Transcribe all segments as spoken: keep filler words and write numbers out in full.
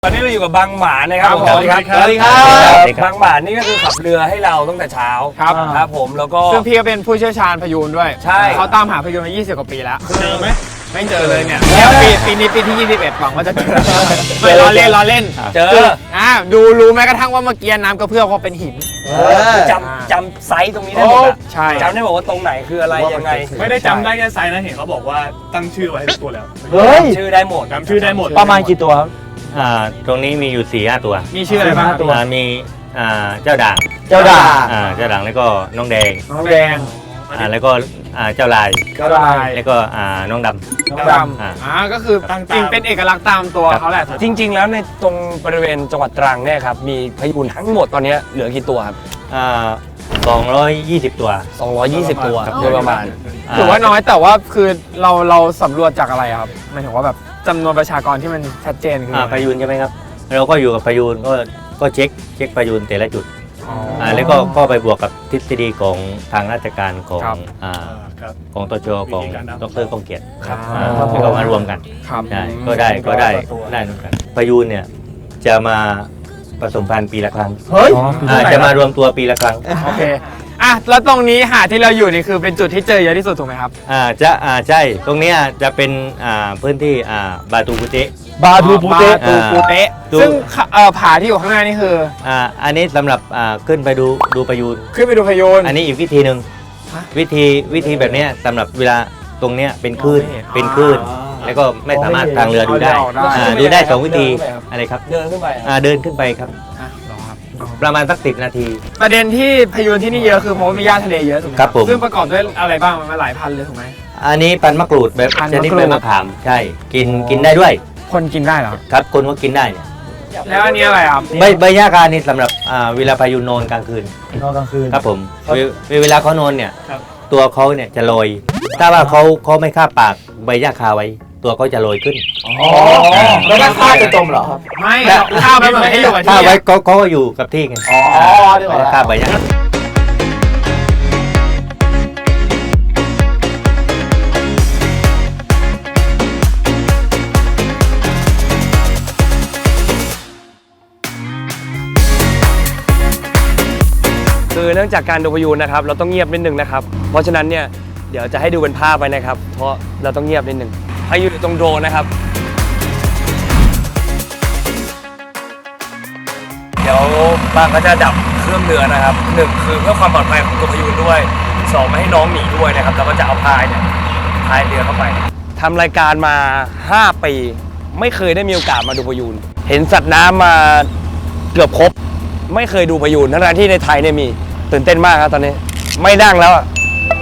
ตอนนี้เราอยู่กับบางหมานะครับผมสวัสดีครับสวัสดีครับสวัสดีครับบางหมานี่ก็คือขับเรือให้เราตั้งแต่เช้าครับครับผมแล้วก็ซึ่งพี่ก็เป็นผู้เชี่ยวชาญพยูนด้วยใช่เขาตามหาพยูนมายี่สิบกว่าปีแล้วเจอไหมไม่เจอเลยเนี่ยแล้วปีปีนี้ปีที่ยี่สิบเอ็ดหวังว่าจะเจอไม่ล้อเล่นล้อเล่นเจอคืออ่าดูรู้แม้กระทั่งว่าเมื่อกี้น้ำกระเพื่อมเพราะเป็นหินคือจำจำไซส์ตรงนี้ได้หมดอะใช่จำได้บอกว่าตรงไหนคืออะไรยังไงไม่ได้จำได้แค่ไซส์นะเห็นเขาบอกว่าตั้งชื่อไว้ให้ทุกตัวแล้วเฮ้ยชื่อได้หมดจำชื่อได้หมดประมาณกี่ตัวครับอ่าตรงนี้มีอยู่สี่ห้าตัวมีชื่ออะไรบ้างครับอ่ามีอ่าเจ้าด่างเจ้าด่าอ่าเจ้าด่างแล้วก็น้องแดงน้องแดงอ่าแล้วก็อ่าเจ้าลายเจ้าลายแล้วก็อ่าน้องดน้องดำอ่าอ่าก็คือจริงเป็นเอกลักษณ์ตามตัวเขาแหละจริง ๆ แล้วในตรงบริเวณจังหวัดตรังเนี่ยครับมีพยูนทั้งหมดตอนนี้เหลือกี่ตัวครับำอ่าสองร้อยยี่สิบตัวสองร้อยยี่สิบตัวโดยประมาณถือว่าน้อยแต่ว่าคือเราเราสำรวจจากอะไรครับหมายถึงว่าแบบจำนวนประชากรที่มันชัดเจนคืออ่าพยูนใช่ไหมครับเราก็อยู่กับพยูนก็ก็เช็คเช็คพยูนแต่ละจุดอ๋ออ่าแล้วก็ก็ไปบวกกับทฤษฎีของทางราชการของครับอ่าครับของตชของวิธีการนับดรก้องเกียรติครับอ่าแล้วก็มารวมกันครับได้ก็ได้ก็ได้ได้เหมือนกันพยูนเนี่ยจะมาผสมพันธุ์ปีละครั้งเฮ้ยอ่าจะมารวมตัวปีละครั้งโอเคอ่ะแล้วตรงนี้หาดที่เราอยู่นี่คือเป็นจุดที่เจอเยอะที่สุดถูกไหมครับอ่าจะอ่าใช่ตรงเนี้ยจะเป็นอ่าพื้นที่อ่าบาตูกุเตะบาทูปูเตะบาตูปูเตะดูซึ่งเอ่อผาที่อยู่ข้างหน้านี่คืออ่าอันนี้สำหรับอ่าขึ้นไปดูดูพยูนขึ้นไปดูพยูนอันนี้อีกวิธีหนึ่งฮะวิธีวิธีแบบเนี้ยสำหรับเวลาตรงเนี้ยเป็นคลื่นมองไม่เห็นเป็นคลื่นแล้วก็ไม่สามารถทางเรือดูได้เอาได้อ่าดูได้สองวิธีอะไรครับเดินขึ้นไปอะอ่าเดินขึ้นไปครับอ่ะรอครับประมาณสักสิบนาทีประเด็นที่พยูนที่นี่เยอะคือเพราะว่ามีหญ้าทะเลเยอะถูกไหมครับผมซึ่งประกอบด้วยอะไรบ้างมันหลายพันเลยถูกไหมอันนี้พันธุ์มะกรูดแบบพันธุ์ชนิดมะกรูดใบมะขามใช่กินกินได้ด้วยคนกินได้เหรอครับคนก็กินได้เนี่ยแล้วอันนี้อะไรครับใบใบหญ้าคานี่สำหรับอ่าเวลาพายุนอนกลางคืนนอนกลางคืนครับผมเวเวเวลาเขานอนเนี่ยครับตัวเขาเนี่ยจะลอย ถ้าว่าเขาเขาไม่คาบปากใบหญ้าคาไว้ ตัวเขาจะลอยขึ้นอ๋อแล้วก็ฆ่าจะจมเหรอครับไม่ข้าวไปเหมือนให้อยู่กับถ้าที่ไว้อะเขาเขาก็อยู่กับที่ไงอ๋อดีกว่าคาบใบหญ้าคือเนื่องจากการดูพยูนนะครับเราต้องเงียบนิดนึงนะครับเพราะฉะนั้นเนี่ยเดี๋ยวจะให้ดูเป็นภาพไปนะครับ เพราะเราต้องเงียบนิดนึงพยูนอยู่ตรงโดรนนะครับ เดี๋ยวบางก็จะดับเครื่องเรือนะครับหนึ่งคือเพื่อความปลอดภัยของตัวพยูนด้วยสองไม่ให้น้องหนีด้วยนะครับแล้วก็จะเอาพายเนี่ยพายเรือเข้าไปทำรายการมาห้าปีไม่เคยได้มีโอกาสมาดูพยูนเห็นสัตว์น้ำมาเกือบครบไม่เคยดูพยูนทั้งๆที่ในไทยเนี่ยมีตื่นเต้นมากครับตอนนี้ไม่นั่งแล้วอะ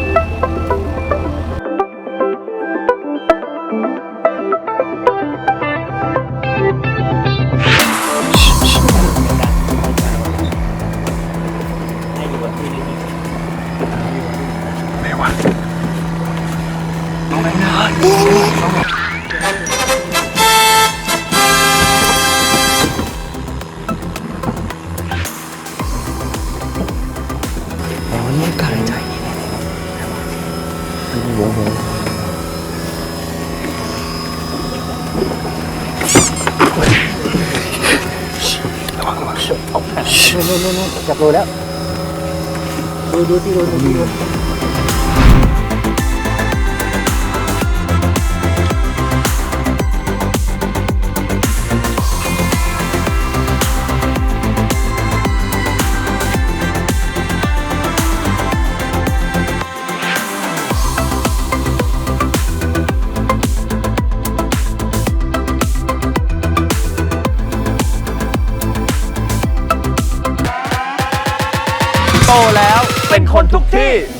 จับโลแล้ว ดูดูที่ดูดูที่ดูโตแล้วเป็นคนทุกที่